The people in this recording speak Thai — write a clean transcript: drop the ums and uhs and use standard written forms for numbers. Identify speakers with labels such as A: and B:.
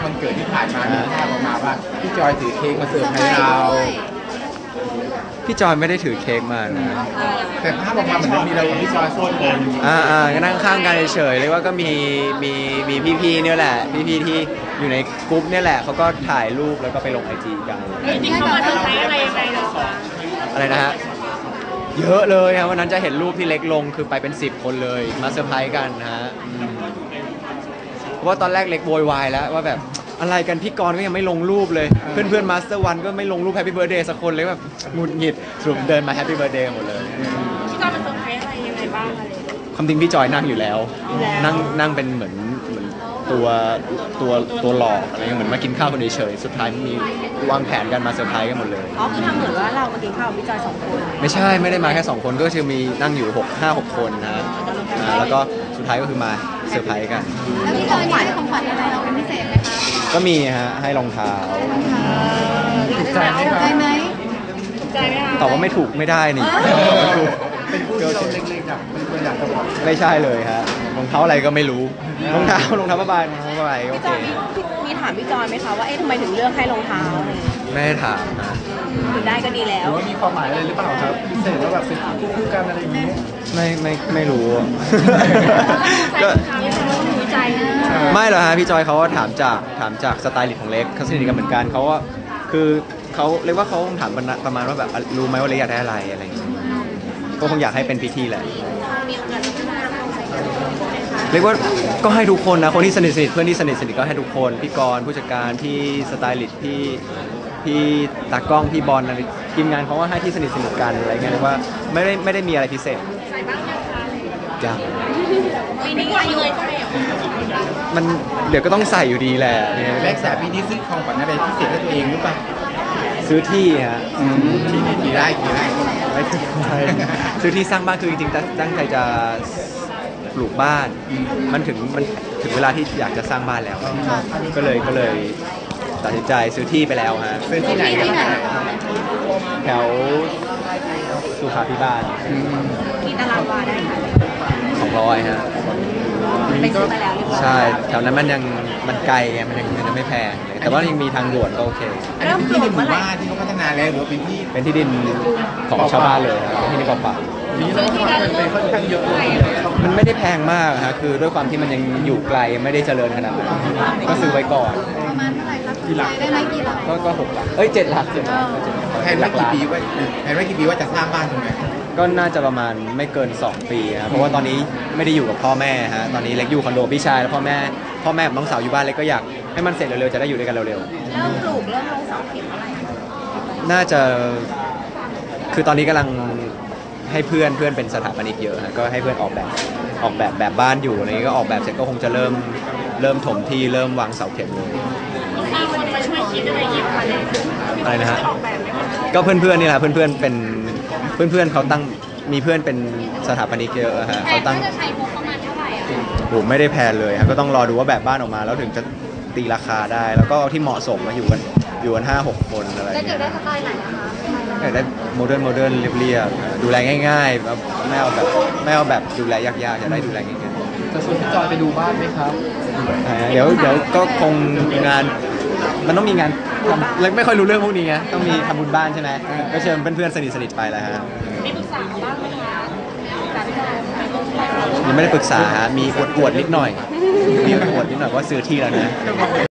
A: วันเกิดที่ผ่านมามีภาพออกมาว่าพี่จอยถือเค้กมาเสิร์ฟให้เรา
B: พี่จอยไม่ได้ถือเค้กมานะ
A: แต่ภาพออกมาเหมือนมีเรากับพี่จอยโซนกัน
B: ก็นั่งข้างกันเฉยๆเลยว่าก็มีพี่ๆเนี่ยแหละพี่ๆที่อยู่ในกลุ่มเนี่ยแหละเขาก็ถ่ายรูปแล้วก็ไปลงIGกัน
C: จริงๆเขามาเซอร์ไพรส์อะไรยังไงเรา
B: อะไรนะฮะเยอะเลยครับวันนั้นจะเห็นรูปที่เล็กลงคือไปเป็น10 คนเลยมาเซอร์ไพรส์กันนะฮะเพราะว่าตอนแรกเล็กโวยวายแล้วว่าแบบอะไรกันพี่กรณ์ก็ยังไม่ลงรูปเลยเพื่อนๆมาสเตอร์วันก็ไม่ลงรูปแฮปปี้เบิร์ธเดย์สักคนเลยแบบหงุดหงิดสรุปเดินมาแฮปปี้เบิร์ธเดย์หมดเลย
C: พี่กรณ์มาเซอร์ไพรส์อะไรยังไงบ้างอะไร
B: ความจริงพี่จอยนั่งอยู่แล้วนั่งเป็นเหมือนตัวหลอกอะไรเงี้ยเหมือนมากินข้าวคนเฉยๆสุดท้ายมีวางแผนกันมาเซอร์ไพรส์กันหมดเลย
C: คือทำเหมือนว่าเรามากินข้าวกับพี่จอย2 คน
B: ไม่ใช่ไม่ได้มาแค่2 คนก็คือมีนั่งอยู่5-6 คนนะแล้วก็สุดท้ายก็คือมาเซอร์ไพรส์กัน
D: แล้วพี่จอยให้ของขวัญอะไรเราเป็นพิเศษไหมคะ
B: ก็มีฮะให้รองเท้า
A: ถูกใจไหมครับ
C: ถูกใจไหมคะ
B: ตอบว่าไม่ถูกไม่ได้นี่
A: เป็นผู้ที่เราเล็กๆแบบเป็นตัวอย่างตลอด
B: ไม่ใช่เลยฮะรองเท้าอะไรก็ไม่รู้รองเท้าผ้าใบโอเค
C: มีถามพี่จอยไหมคะว่าทำไมถึงเลือกให้รองเท้า
B: ไม่ได้ถามนะ
C: ถึงได้ก็ดีแล้ว
A: หรือว่ามีความหมายอะไรหรือเปล่าครับพิเศษแล้วแบบเป็นคู่กันอะไรอย่างนี้
B: ไม่รู้
C: ก็รู้ใจ
B: ไม่หรอกฮะพี่จอยเขาถามจากสไตล์ลิสต์ของเล็กเขาสนิทกันเหมือนกันเขาว่าคือเขาเรียกว่าเขาถามประมาณว่าแบบรู้ไหมว่าเล็กอยากได้อะไรอย่างเงี้ยก็คงอยากให้เป็นพิธีแหละเรียกว่าก็ให้ทุกคนนะคนที่สนิทเพื่อนที่สนิทก็ให้ทุกคนพี่กรณ์ผู้จัดการพี่สไตลิสต์พี่ตากล้องพี่บอลอะไรทีมงานเขาว่าให้ที่สนิทกันอะไรเงี้ยเรียกว่าไม่ได้มีอะไรพิเศษยัง
C: ปีนี้อายุเลย
B: มันเดี๋ยวก็ต้องใส่อยู่ดีแหละ
A: แม็กซ์ปีนี้ซื้อของขวัญอะไรพิเศษให้ตัวเองหรือเปล่า
B: ซื้อที่ฮะ
A: กี่ไร่
B: ไม่ถึงซื้อที่สร้างบ้านคือจริงๆตั้งใจจะปลูกบ้านมันถึงเวลาที่อยากจะสร้างบ้านแล้วก็เลยตัดสินใจซื้อที่ไปแล้วฮะ
A: ซื้อที่ไหน
B: แถวสุขาภิบาล
C: กี่ตารางวาได้ค่ะ
B: 200ฮะ
C: ไปซื้อมาแล้วเรียบร้อย
B: ใช่แถวนั้นมันไกลไงมันยังไม่แพงแต่ว่ายังมีทางด่วนก็โอเค
A: เริ่มปลูกเมื่อไหร่ที่เขาพัฒนาแล้วหรือ
B: เป็นที่ดินของชาวบ้านเลยที่นี่เปล่า
A: ๆนี้เราเป็นค่อนข้างเยอะเลย
B: มันไม่ได้แพงมากฮะคือด้วยความที่มันยังอยู่ไกลไม่ได้เจริญขนาดนั้นก็ซื้อไว้ก่อน
D: ประมาณเท่าไหร่คะกี่หลักได้ไหมกี่หลัก
B: ก็6 หลัก7 หลัก
A: แผนไว้กี่ปีว่าจะสร้างบ้านตรงไหน
B: ก็น่าจะประมาณไม่เกิน2 ปีครับเพราะว่าตอนนี้ไม่ได้อยู่กับพ่อแม่ฮะตอนนี้เล็กอยู่คอนโดพี่ชายแล้วพ่อแม่กับน้องสาวอยู่บ้านเล็กก็อยากให้มันเสร็จเร็วๆจะได้อยู่ด้วยกันเร็วๆ
C: เริ่มปลูกเริ่มลงเสาเข็มอะไร
B: น่าจะคือตอนนี้กำลังให้เพื่อนเป็นสถาปนิกเยอะฮะก็ให้เพื่อนออกแบบบ้านอยู่อะไรนี้ก็ออกแบบเสร็จก็คงจะเริ่มถมที่เริ่มวางเสาเข็มเลย
C: มีคนมาช่วยคิดอะไรอย่างเงี้ย
B: อะไรนะฮะก็เพื่อนนี่แหละเพื่อนเป็นเพื่อนเขาตั้งมีเพื่อนเป็นสถาปนิกเยอะฮะเขาตั้ง
C: จะใช้งบประมาณเท่าไหร่อ่ะ
B: ผมไม่ได้แพลนเลยฮะก็ต้องรอดูว่าแบบบ้านออกมาแล้วถึงจะตีราคาได้แล้วก็ที่เหมาะสมมาอยู่กัน5-6 คนอะไร
C: จะได้สไตล์ไหนนะคะ
B: อยากได้โมเดิร์นเรียบๆดูแลง่ายๆไม่เอาแบบดูแลยากๆอยากได้ดูแลง่าย
A: ๆจะชวนพี่จอยไปดูบ้านไหมครับ
B: เดี๋ยวก็คงงานมันต้องมีงานทำแล้วไม่ค่อยรู้เรื่องพวกนี้ไงต้องมีทำบุญบ้านใช่ไหมก็เชิญเพื่อนๆสนิทไปแล้วฮะ
C: มีปรึกษาบ้างไหมคะ
B: ยังไม่ได้ปรึกษาฮะมีอวดนิดหน่อยว่าซื้อที่แล้วนะ